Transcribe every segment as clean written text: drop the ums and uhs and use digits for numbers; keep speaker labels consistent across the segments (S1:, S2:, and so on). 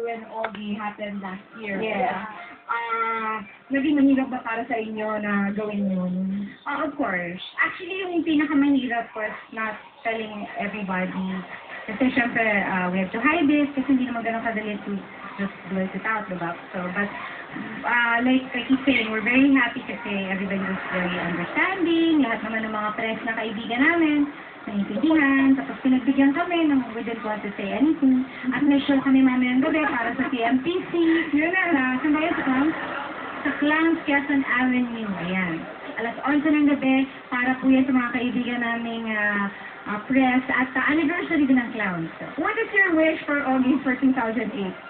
S1: and Ogie happened last year.
S2: Yeah.
S1: Naging mahirap ba para sa inyo na gawin yun?
S2: Of course. Actually, yung pinakamahirap was not telling everybody. Kasi syempre, we have to hide it kasi hindi naman ganun kadali to just blurt it out, diba? So, but, like I keep saying, we're very happy kasi everybody was very understanding. Lahat naman ng mga press na kaibigan namin, naintindihan. Tapos pinagbigyan kami ng we didn't want to say anything. At may show kami mamayang gabi para sa CMTC. Yun na, saan ba yun sa Clowns? Sa Clowns, Quezon Avenue. Ayan. Alas 11 ng gabi para po yan sa mga kaibigan naming press at anniversary din ng Clowns.
S1: What is your wish for Ogie for 2008?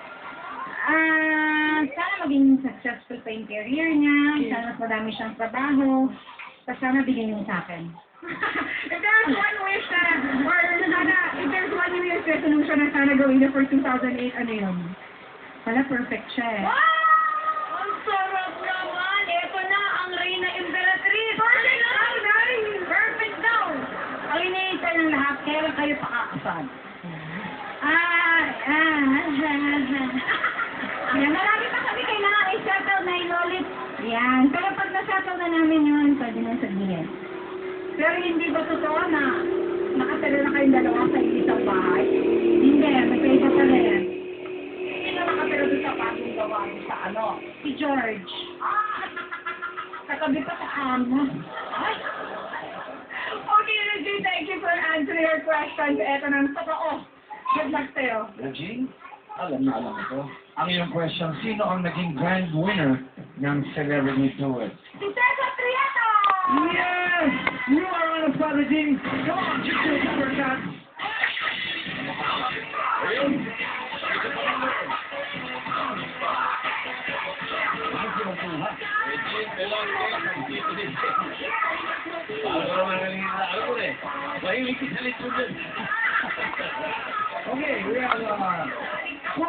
S2: Sana maging successful pa yung career niya. Sana mas madami siyang trabaho. Tapos sana bigyan niyo sa akin.
S1: If there's one wish na, or sana, if there's one New Year's resolution na sana gawin niya for 2008, ano yun?
S2: Wala, perfect siya eh.
S3: Wow! Ang sarap naman! Ito na ang Reyna Imperatriz! Perfect daw, Nay! Perfect daw!
S2: Ang iniintay ng lahat, kailan kayo pakakasal? Yan, marami pa kami kailangan i-settle na ilolit. Yan, pero pag na-settle na namin yun, pwede na sabihin.
S1: Pero hindi ba totoo na nakatala na kayong dalawa sa isang bahay?
S2: Hindi, magkaiba pa rin.
S1: Sino nakatala doon sa bagong gawa sa ano?
S2: Si George.
S1: Katabi pa sa amo. Okay, Regine, thank you for answering your questions. Eto na, totoo. Good luck sa'yo.
S4: Regine, alam na alam ko. Ang iyong question, sino ang naging grand winner ng Celebrity Duet?
S1: Si Cesar Prieto!
S4: Yes! You are on a spot, Regine. Come on, just do a super shot. Okay, we have